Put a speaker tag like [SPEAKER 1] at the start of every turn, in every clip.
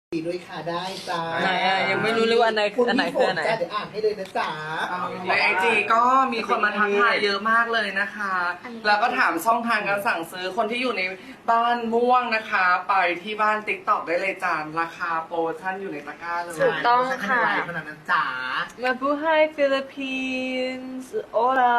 [SPEAKER 1] ดีด้วยค่ะได้จ้า
[SPEAKER 2] ไหนอะยังไม่รู้เลยว่าอันไหนคืออันไหนคืออันไหน
[SPEAKER 1] เดี๋ยวอ่านให้เลยนะจ๊ะ
[SPEAKER 3] ในไอจีก็มีคนมาทักทายเยอะมากเลยนะคะ แล้วก็ถามช่องทางการสั่งซื้อคนที่อยู่ในบ้านม่วงนะคะ ไปที่บ้านติ๊กต็อกได้เลยจานราคาโปรโมชั่นอยู่ในตะกร้าเลย
[SPEAKER 2] ถูกต้องค่ะ
[SPEAKER 1] ขนาดนั้นจ๋า
[SPEAKER 2] Mabuhay Philippines Hola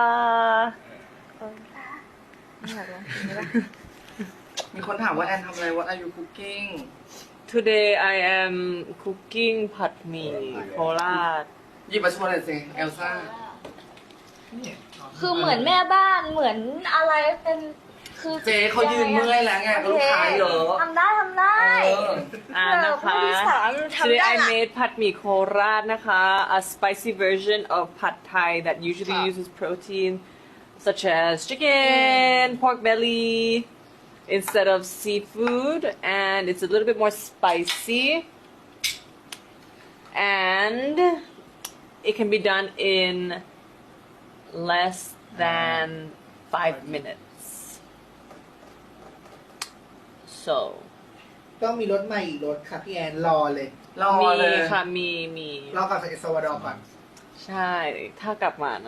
[SPEAKER 3] มีคนถามว่าแอนทำอะไร What are you cooking
[SPEAKER 2] Today I am cooking ผัดหมี่โคราช
[SPEAKER 3] หยิบมาชวนหน่อยสิเอลซ่า
[SPEAKER 4] คือเหมือนแม่บ้านเหมือนอะไรเป็นคือ
[SPEAKER 3] เจ๊เขายืนเมื่อยแล้วไงก็ลูกค้าเยอะ
[SPEAKER 4] ทำได้ทำได้
[SPEAKER 2] นะคะ
[SPEAKER 4] ผู้ที่สามทำ
[SPEAKER 2] Today
[SPEAKER 4] ได้
[SPEAKER 2] I
[SPEAKER 4] ละ
[SPEAKER 2] made ผัดหมี่โคราชนะคะ a spicy version of pad thai that usually uses protein such as chicken, pork belly instead of seafood, and it's a little bit more spicy and it can be done in less than 5 minutes. So
[SPEAKER 1] ต้องมีรถใหม่อีกรถค่ะพี่แอนรอเลย
[SPEAKER 3] รอ
[SPEAKER 2] มี
[SPEAKER 3] เลย
[SPEAKER 2] ค่ะมี
[SPEAKER 1] รอกับเอลซาวาดอร์ก่อน
[SPEAKER 2] ใช่ ถ้ากลับมานะ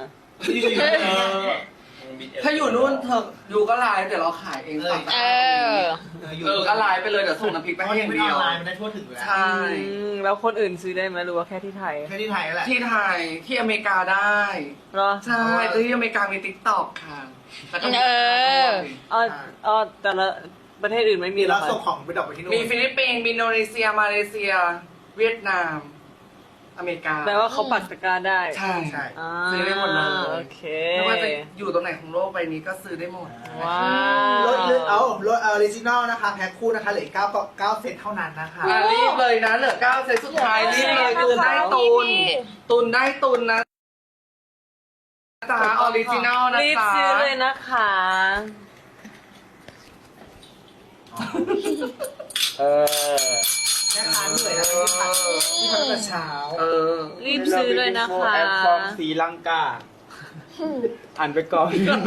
[SPEAKER 3] ถ้าอยู่นู่นเธออยู่ก็ไลน์เดี๋ยวเราขายเองฝั่งตะกร้าก็ไลน์ไปเลยเดี๋ยวส่งน้ำพริกไปให้อย่างเดียว
[SPEAKER 1] มันได้ทั่วถึงอยู่แล้ว
[SPEAKER 3] ใช่
[SPEAKER 2] แล้วคนอื่นซื้อได้ไหมหรือว่าแค่ที่ไทย
[SPEAKER 1] แค่ที่ไทยนั่นแหละ
[SPEAKER 3] ที่ไทยที่อเมริกาได้
[SPEAKER 2] เหรอ
[SPEAKER 3] ใช่แต่ที่อเมริกามีติ๊กต็อกค่ะแล้วก็มี
[SPEAKER 2] อ๋อแต่ละประเทศอื่นไม่มี
[SPEAKER 1] มี
[SPEAKER 2] เหร
[SPEAKER 1] เรา
[SPEAKER 2] อคะ
[SPEAKER 1] ส่งของไปดรอปไปที่นู่น
[SPEAKER 3] มีฟิลิปปินส์มีอินโดนีเซียมาเลเซีย เวียดนาม อเมริกา
[SPEAKER 2] แปลว่าเขาปักตะกร้าได้
[SPEAKER 3] ใช่
[SPEAKER 1] ใช่
[SPEAKER 2] อ่า
[SPEAKER 3] ซื้อได้หมดเลย
[SPEAKER 2] โอเค
[SPEAKER 3] ไม่ว่าจะอยู่ตรงไหนของโลกใบนี้ก็ซื้อได้หมด
[SPEAKER 2] ว้าร
[SPEAKER 1] ถ
[SPEAKER 2] ว
[SPEAKER 1] เอารถออริจินอลนะคะแพ็คคู่นะคะเหลือ9เซตเท่านั้นนะคะ
[SPEAKER 3] รีบเลยนะเหลือ9เซตสุดท้ายรีบเลยตุนได้ตุนตุนได้ตุนนะจ๊ะออริจินอลนะ
[SPEAKER 2] รีบ
[SPEAKER 3] จ๊ะ
[SPEAKER 2] ซื้อเลยนะคะ
[SPEAKER 1] แม่ค้าเหนื่อยนะที่พักตั้งแต่เช้า
[SPEAKER 3] เออ
[SPEAKER 2] รีบซื้อเลยนะคะ
[SPEAKER 5] แอปฟอร์มศรีลังกาอ่านไปก่อน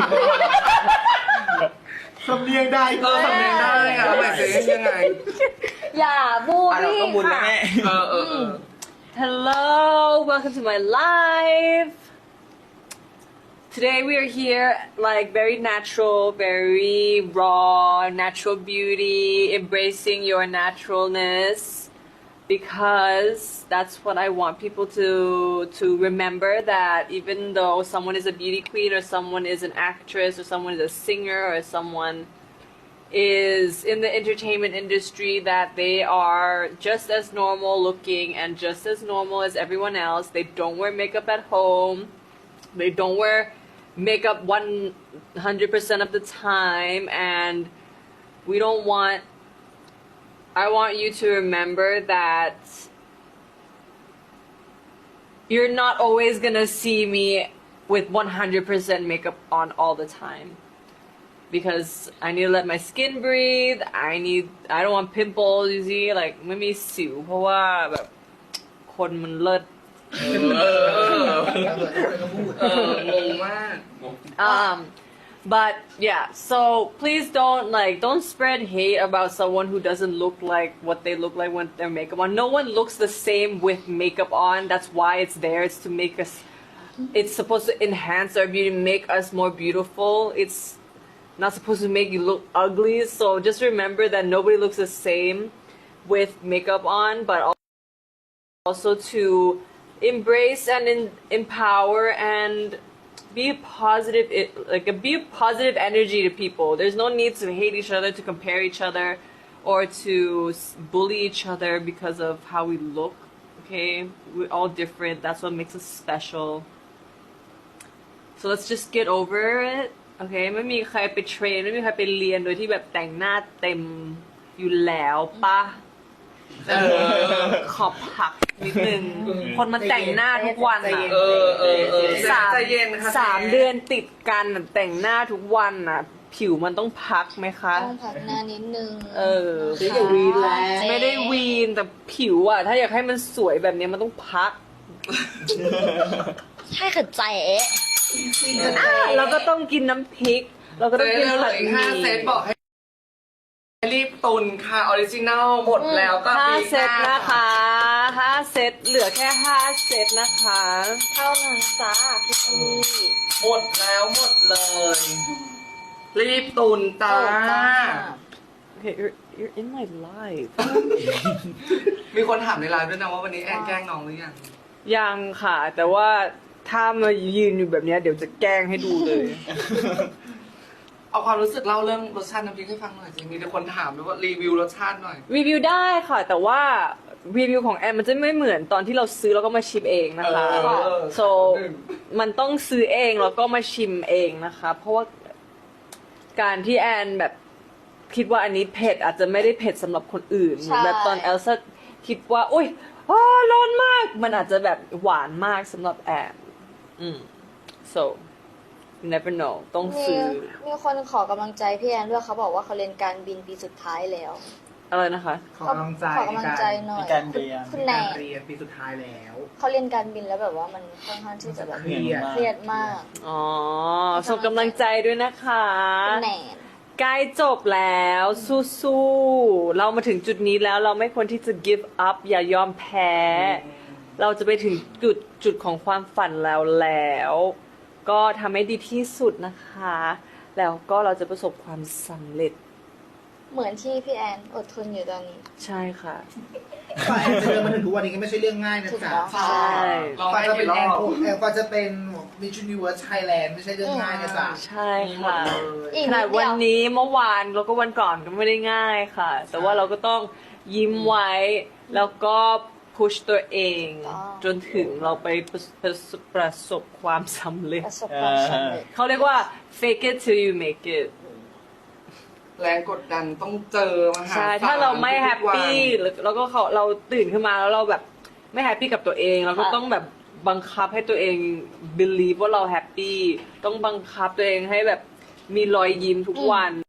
[SPEAKER 1] สำเนียงได้
[SPEAKER 3] เออสำเนียงได้อะหมายถึงยังไง
[SPEAKER 4] อย่าบู
[SPEAKER 5] อ่านเรา
[SPEAKER 4] รี่
[SPEAKER 5] ก็มุนแล้ว
[SPEAKER 4] ค่ะ
[SPEAKER 5] แม่
[SPEAKER 2] Hello, welcome to my live. Today we are here like very natural, very raw, natural beauty, embracing your naturalness because that's what I want people to remember that even though someone is a beauty queen or someone is an actress or someone is a singer or someone is in the entertainment industry that they are just as normal looking and just as normal as everyone else. They don't wear makeup at home. They don't wear makeup 100% of the time, and we don't want. I want you to remember that you're not always gonna see me with 100% makeup on all the time. Because I need to let my skin breathe. I don't want pimples, you see, like ไม่มีสิวเพราะว่าแบบคนมันเลิศ
[SPEAKER 3] งงมาก
[SPEAKER 2] But yeah, so please don't spread hate about someone who doesn't look like what they look like when their makeup on. No one looks the same with makeup on. That's why it's there. It's to make us. It's supposed to enhance our beauty, make us more beautiful. It's not supposed to make you look ugly. So just remember that nobody looks the same with makeup on, but also to embrace and empower and be positive, be a positive energy to people. There's no need to hate each other, to compare each other, or to bully each other because of how we look. Okay, we're all different. That's what makes us special. So let's just get over it. Okay, ไม่มีใครไปเทรนไม่มีใครไปเรียนโดยที่แบบแต่งหน้าเต็มอยู่แล้วปะขอบผักนิดนึง คนมันแต่งหน้าทุกวันอ่ะ
[SPEAKER 3] ใจเย็นค่ะ
[SPEAKER 2] สามเดือนติดกันน่ะแต่งหน้าทุกวันอ่ะ ผิวมันต้องพักไหมคะ
[SPEAKER 4] ต้องพักหน้านิดนึง
[SPEAKER 1] เจ๊อย่าวีนแล้ว
[SPEAKER 2] ไม่ได้วีนแต่ผิวอ่ะ ถ้าอยากให้มันสวยแบบนี้มันต้องพัก
[SPEAKER 4] ใช่ค่ะใจเอ๊ะ
[SPEAKER 2] แล้วก็ต้องกินน้ำพริก เราก็ต้อง
[SPEAKER 3] เจ๊
[SPEAKER 2] กิน
[SPEAKER 3] เหลื
[SPEAKER 2] ผั
[SPEAKER 3] อ
[SPEAKER 2] ด
[SPEAKER 3] อีก
[SPEAKER 2] ห
[SPEAKER 3] 5 เซ
[SPEAKER 2] มี่
[SPEAKER 3] ตบอกให้รีบตุนค่ะออริจินัลหมดแล้วก็
[SPEAKER 2] ห้า
[SPEAKER 3] ปี
[SPEAKER 2] เซตนะคะ5 เซตเหลือแค่5 เซตนะคะ
[SPEAKER 4] เท่านั้นจ้าพี่พี่
[SPEAKER 3] หมดแล้วหมดเลย รีบตุนจ้า
[SPEAKER 2] Okay, you're in my life
[SPEAKER 3] มีคนถามในไลน์ด้วยนะว่าวันนี้แอนแกล้งน้องหรือยัง
[SPEAKER 2] ยังค่ะ แต่ว่าถ้ามายืนอยู่แบบเนี้ยเดี๋ยวจะแกล้งให้ดูเลย
[SPEAKER 3] เอาความรู้สึกเล่าเรื่องรสชาติน้ำพริกให้ฟังหน่อยสิมีแต่คนถามด้วยว่ารีวิวรสชาติหน่อย
[SPEAKER 2] รีวิวได้ค่ะ แต่ว่ารีวิวของแอนมันจะไม่เหมือนตอนที่เราซื้อแล้วก็มาชิมเองนะคะ so มันต้องซื้อเองแล้วก็มาชิมเองนะคะ เพราะว่าการที่แอนแบบคิดว่าอันนี้เผ็ดอาจจะไม่ได้เผ็ดสำหรับคนอื่นเหมือนแบบตอนเอลซ่าคิดว่าอุ้ยร้อนมาก มันอาจจะแบบหวานมากสำหรับแอนso you never know ต้องซื้อ
[SPEAKER 4] มีคนขอกำลังใจพี่แอนด้วยเขาบอกว่าเขาเรียนการบินปีสุดท้ายแล้ว
[SPEAKER 2] อะไรนะคะ
[SPEAKER 1] ขอกำลังใจ
[SPEAKER 4] ขอกำลังใจหน่อย
[SPEAKER 5] ในการเรียน
[SPEAKER 4] คุณ
[SPEAKER 1] ใน
[SPEAKER 4] แน
[SPEAKER 1] การ
[SPEAKER 4] น
[SPEAKER 1] เรียนปีสุดท้ายแล้ว
[SPEAKER 4] เขาเรียนการบินแล้วแบบว่ามันค่อนข้างที่จะแบบ
[SPEAKER 1] เครียด
[SPEAKER 4] เครียดมาก
[SPEAKER 2] อ๋อส่งกำลังใจด้วยนะคะ
[SPEAKER 4] คุณแนน
[SPEAKER 2] ใกล้จบแล้วสู้ๆเรามาถึงจุดนี้แล้วเราไม่ควรที่จะ give up อย่ายอมแพ้ เราจะไปถึงจุดของความฝันแล้ว ก็ทำให้ดีที่สุดนะคะ แล้วก็เราจะประสบความสำเร็จ
[SPEAKER 4] เหมือนที่พี่แอนอดทนอยู่ตอนนี้
[SPEAKER 2] ใช่ค่ะ
[SPEAKER 1] ฝ่ายแอนจะเดินมาถึงทุกวันนี้ก็ไม่ใช่เรื่องง่ายนะ
[SPEAKER 4] ถูก
[SPEAKER 1] จ๊ะ
[SPEAKER 4] ต้อง
[SPEAKER 2] ใช่
[SPEAKER 3] ลอง
[SPEAKER 1] ฝ่าย
[SPEAKER 3] ให้
[SPEAKER 1] จะเป็
[SPEAKER 3] กี่
[SPEAKER 1] น
[SPEAKER 3] ร
[SPEAKER 1] แอ
[SPEAKER 3] อน บ
[SPEAKER 1] แอนก็จะเป็นมิชชันนิเวิร์สไทยแลนด์ไม่ใช่เรื่องง่ายนะจ๊ะ
[SPEAKER 2] ใช่ค่ะ
[SPEAKER 4] อีก
[SPEAKER 2] ข
[SPEAKER 4] นิ
[SPEAKER 2] นาด
[SPEAKER 4] ดเดี
[SPEAKER 2] วัน
[SPEAKER 4] ยว
[SPEAKER 2] นี้เมื่อวานแล้วก็วันก่อนก็ไม่ได้ง่ายค่ะ แต่ว่าเราก็ต้องยิ้มไว้ แล้วก็พุชตัวเอง จนถึงเราไปประสบความสำเร็จ
[SPEAKER 4] ประสบความสำเร็จ
[SPEAKER 2] เขาเรียกว่า fake it till you make it
[SPEAKER 3] แรงกดดันต้องเจอมาหา
[SPEAKER 2] ใช่ ถ้าเราไม่แฮปปี้แล้วก็เราตื่นขึ้นมาแล้วเราแบบไม่แฮปปี้กับตัวเองเราก็ต้องแบบบังคับให้ตัวเอง believe ว่าเราแฮปปี้ต้องบังคับตัวเองให้แบบมีรอยยิ้มทุกวัน